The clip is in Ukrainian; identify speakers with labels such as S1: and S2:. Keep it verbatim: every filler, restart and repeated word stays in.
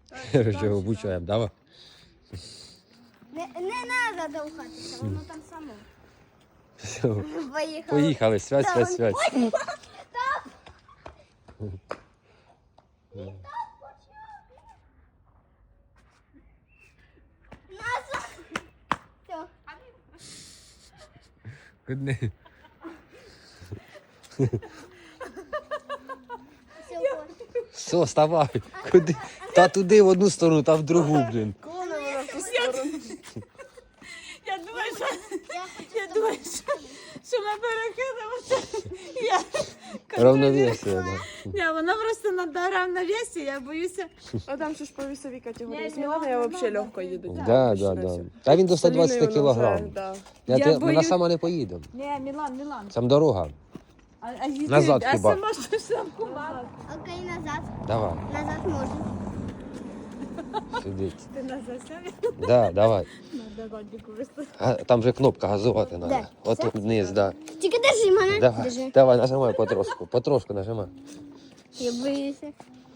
S1: Короче, обучаємо, давай.
S2: Не, не треба довхатися, воно там само.
S1: Все,
S2: Поїхали.
S1: поїхали, свять, свять, свять.
S2: Назад. Все.
S1: Куди?
S2: Все,
S1: Все, вставай. Куди? Та туди в одну сторону, та в другу, блін.
S3: Я думаю, що,
S2: я хочу
S3: я думаю, що, що ми перекидаємося. Я,
S1: Равновесие, да.
S3: Ні, вона просто на равновесі, я боюся.
S4: А там же ж по весовій категорії.
S3: Ні,
S4: З Міланою я
S3: Мілана,
S4: взагалі
S3: да,
S4: легко їду.
S1: Да, да, да. Та він до сто двадцять кілограм.
S4: Да.
S1: Я,
S3: Я
S1: те- Ми
S3: боюсь-
S1: на сама не поїдемо.
S3: Ні, Мілан, Мілан.
S1: Там дорога.
S3: А, а, їди,
S1: Назад
S3: а
S1: хіба?
S3: сама щось там кумала.
S2: Окей, назад.
S1: Давай,
S2: Назад можна.
S1: сидить.
S3: Ти на засяві?
S1: Да, давай.
S3: Надо родику вести.
S1: А, там же кнопка газувати треба.
S2: Де?
S1: От тут вниз, да.
S2: Тільки держи мене.
S1: Давай,
S2: Держи.
S1: давай, нажимай потрошку, потрошку нажимай.
S2: Я боюся.